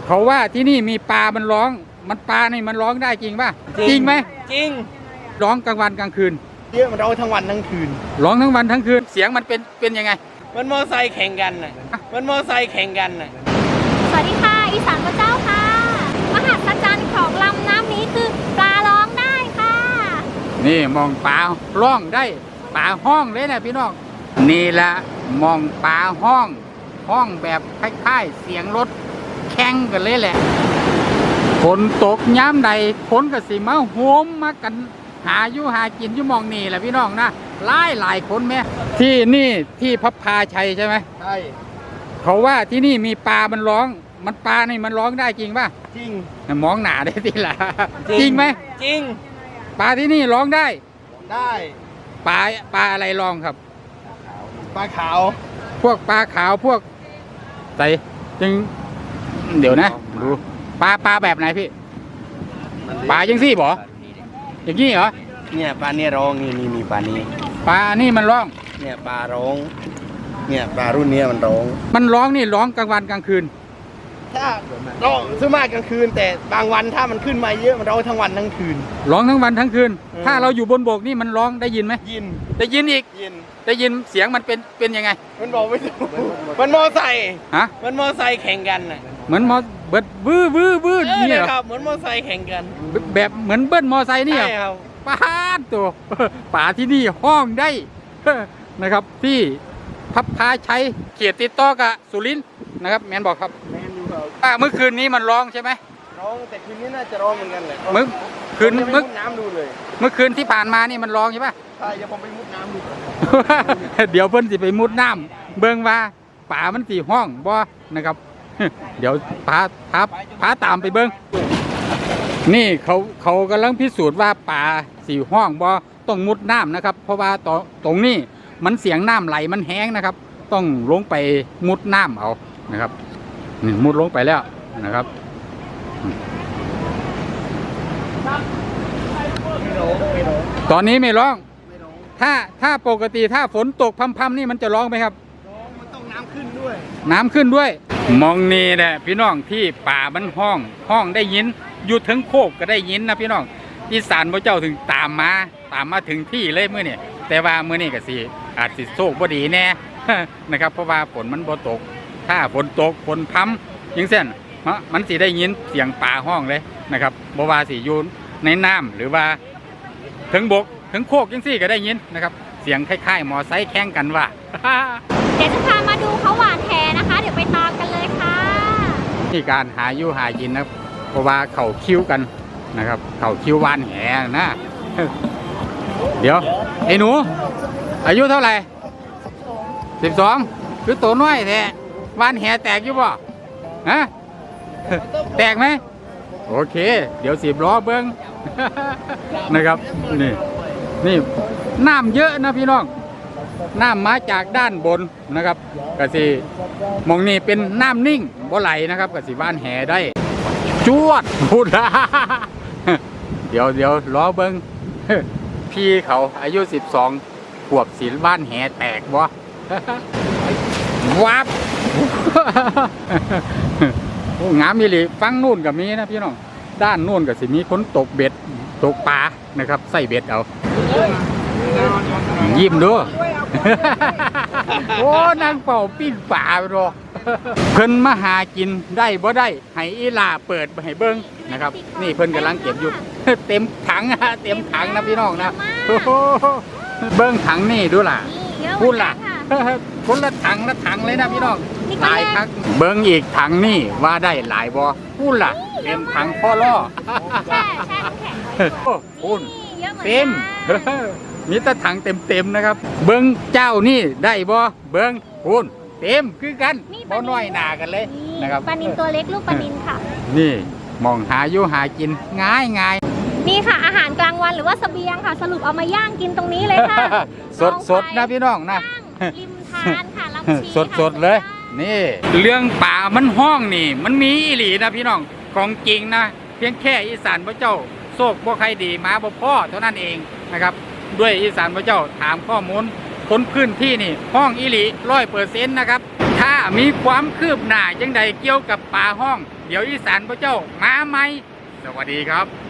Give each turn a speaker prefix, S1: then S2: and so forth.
S1: เขาว่าที่นี่มีปลามันร้องมันปลานี่มันร้องได้จริงป่ะจริงไหม
S2: จริง
S1: ร้องกลางวันกลางคืน
S2: เยอะมันร้องทั้งวันทั้งคืน
S1: ร้องทั้งวันทั้งคืนเสียงมันเป็นยังไง
S2: มันมอไซค์แข่งกันน่ะมันมอไซค์แข่งกันน่ะ
S3: สวัสดีค่ะอีสานพระเจ้าค่ะมหัศจรรย์ของลำน้ำนี้คือปลาร้องได้ค่ะ
S1: นี่มองปลาร้องได้ปลาห้องเลยนะพี่น้องนี่ละมองปลาห้องแบบคล้ายๆเสียงรถแข่งกันเลยแหละฝนตกย้ำใดฝนก็สิมาโหมมากันหาอยู่หากินอยู่มองนี่แหละพี่น้องนะหลายคนแม่ที่นี่ที่พับพาชัยใช่ไหม
S2: ใช่
S1: เขาว่าที่นี่มีปลามันร้องมันปลานี่มันร้องได้จริงป่ะ
S2: จริง
S1: มองหนาได้ทีละจริงไหม
S2: จริง
S1: ปลาที่นี่ร้องได้ปลาอะไรร้องครับ
S2: ปลาขาว
S1: พวกปลาขาวพวกใส่จึงเดี๋ยวนะดูปลาแบบไหนพี่ปลายังซี่บ่อย่างนี้เหรอ
S2: เนี่ยปลาเนี่ยร้องนี่มีปลานี้
S1: ปลานี่มันร้อง
S2: เนี่ยปลาร้องเนี่ยปลารุ่นนี้มันร้อง
S1: นี่ร้องกลางวันกลางคืน
S2: ถ้าร้องซื้อมากกลางคืนแต่บางวันถ้ามันขึ้นมาเยอะมันร้องทั้งวันทั้งคืน
S1: ร้องทั้งวันทั้งคืนถ้าเราอยู่บนบกนี่มันร้องได้ยินไหมได้ยินอีกได้ยินเสียงมันเป็นยังไง
S2: มันบอกไม่ถูกมันมอไซค์
S1: ฮะ
S2: มันมอไซค์แข่งกันน่ะ
S1: เหมือนมอเบิดวื้อนี่เหรอ
S2: ครับเหมือนมอไซค์แข่งกัน
S1: แบบเหมือนเบิ้ลมอไซค์นี่เหรอ
S2: ใช่ครับ
S1: ปาดตัวป่าที่นี่ห้องได้นะครับที่พับพาชัยเขียดติดต่อกับสุรินทร์นะครับแมนบอกครับ
S2: แมนดูครับ
S1: เมื่อคืนนี้มันร้องใช่ไหม
S2: ร้องแต่คืนนี้น่าจะร้องเหมือนกันแหละ
S1: เมื่อ
S2: น้ำดูเลย
S1: เมื่อคืนที่ผ่านมานี่มันร้องใช่ปะ
S2: ใช่เดี๋ยวผมไปมุดน้ำดู
S1: เดี๋ยวเพิ่นสิไปมุดน้ำเบิ่งว่าป่ามันสีห้องบ่นะครับเดี๋ยวพาตามไปเบิ่งนี่เขากำลังพิสูจน์ว่าป่าสีห้องบ่ต้องมุดน้ำนะครับเพราะว่าตรงนี้มันเสียงน้ำไหลมันแห้งนะครับต้องลงไปมุดน้ำเอานะครับนี่มุดลงไปแล้วนะครับตอนนี้ไม่ร้องถ้าปกติถ้าฝนตกพำๆนี่มันจะร้องไหมครับ
S2: ร้องมันต้องน้ำขึ้นด้วย
S1: มองนี่แหละพี่น้องที่ป่ามันห้องได้ยินอยู่ถึงโคกก็ได้ยินนะพี่น้องอีสานพระเจ้าถึงตามมาถึงที่เลยเมื่อนี่แต่ว่าเมื่อนี่ก็สิอาจสิโชคบ่ดีแน่นะครับเพราะว่าฝนมันบ่ตกถ้าฝนตกฝนพัำยังเส้นมันสิได้ยินเสียงป่าห้องเลยนะครับบ่ว่าสิอยู่ในน้ำหรือว่าถึงบกถึงโคกยังสี่ก็ได้ยินนะครับเสียงคล้ายๆมอไซค์แข่งกันว่า
S3: เดี๋ยวจะพามาดูเขาหวานแหนะคะเดี๋ยวไปตามกันเลยค่ะ
S1: ที่การหาอยู่หากินนะเพราะว่าเขาคิ้วกันนะครับเขาคิ้ววานแหนะเดี๋ยวไอ้หนูอายุเท่าไหร่12คือตัวน้อยแท้วานแหแตกอยู่บ่ฮะแตกไหมโอเคเดี๋ยว10 ล้อเบิ้งนะครับนี่น้ำเยอะนะพี่น้องน้ำมาจากด้านบนนะครับกะสิมองนี่เป็นน้ำนิ่งบ่ไหลนะครับกะสิบ้านแห่ได้จวดพูดเดี๋ยวล้อเบิ้งพี่เขาอายุ12 ขวบศิลบ้านแห่แตกบ่วับงามมิลิฟังนู่นกับมีนะพี่น้องด้านนู่นกับสิมีคนตกเบ็ดตกปลานะครับใส่เบ็ดเอายิ้มดูโอ้นางเป่าปิ้งป่าไปรอเพิ่นมาหากินได้บ่ได้ให้อีลาเปิดให้เบิ้งนะครับนี่เพิ่นกำลังเก็บอยู่เต็มถังนะพี่น้องนะเบิ้งถังนี่ดูล่ะพูดล่ะคนละถังเลยนะพี่น้องหลายครั้งเบิ้งอีกถังนี่ว่าได้หลายบ่พูดล่ะเต็มถังพ่อล่อพูดเต็มมีแต่ถังเต็มนะครับเบิ้งเจ้านี่ได้บ่เบิ้งพูดเต็มคือกันบ่น้อยหนากันเลยนะครับ
S3: ปลานิลตัวเล็กลูกปลานิลค่ะ
S1: นี่มองหาอยู่หากินง่าย
S3: นี่ค่ะอาหารกลางวันหรือว่าเสบียงค่ะสรุปเอามาย่างกินตรงนี้เลยค่ะ
S1: สดนะพี่น้องนะ
S3: ริมทานค่ะลำชี
S1: สดเลยนี่เรื่องป่ามันห้องนี่มันมีอีหลีนะพี่น้องของจริงนะเพียงแค่อีสานพระเจ้าโชคบ่ใครดีมาบ่พ่อเท่านั้นเองนะครับด้วยอีสานพระเจ้าถามข้อมูลคนพื้นที่นี่ห้องอีหลี100%นะครับถ้ามีความคืบหน้าจังใดเกี่ยวกับป่าห้องเดี๋ยวอีสานพระเจ้ามาใหม่สวัสดีครับ